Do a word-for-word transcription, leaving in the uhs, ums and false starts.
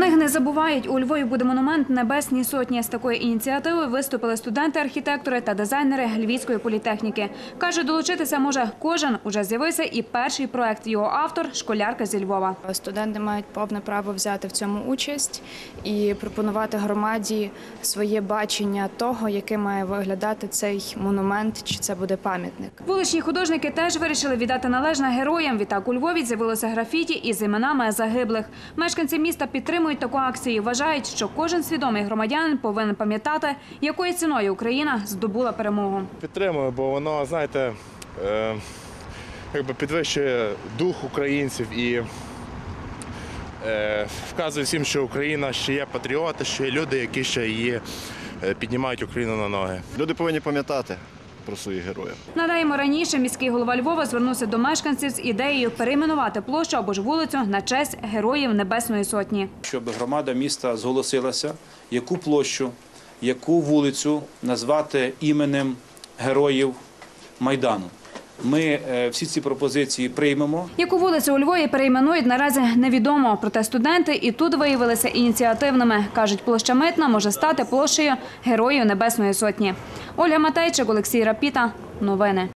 Книг не забувають. У Львові буде монумент Небесній Сотні. З такої ініціативи виступили студенти-архітектори та дизайнери Львівської політехніки. Каже, долучитися може кожен. Уже з'явився і перший проект. Його автор – школярка зі Львова. Студенти мають повне право взяти в цьому участь і пропонувати громаді своє бачення того, яким має виглядати цей монумент, чи це буде пам'ятник. Вуличні художники теж вирішили віддати належне героям. Відтак у Львові з'явилося графіті із іменами загиблих. Мешканці міста підтримують таку акцію. Вважають, що кожен свідомий громадянин повинен пам'ятати, якою ціною Україна здобула перемогу. Підтримую, бо воно, знаєте, е, якби підвищує дух українців і е, вказує всім, що Україна ще є патріоти, що є люди, які ще її е, піднімають Україну на ноги. Люди повинні пам'ятати про своїх героїв. Нагадаємо, раніше міський голова Львова звернувся до мешканців з ідеєю перейменувати площу або ж вулицю на честь героїв Небесної Сотні. Щоб громада міста зголосилася, яку площу, яку вулицю назвати іменем героїв Майдану. Ми всі ці пропозиції приймемо. Яку вулицю у Львові перейменують, наразі невідомо. Проте студенти і тут виявилися ініціативними. Кажуть, площа Митна може стати площею Героїв Небесної Сотні. Ольга Матейчик, Олексій Рапіта. Новини.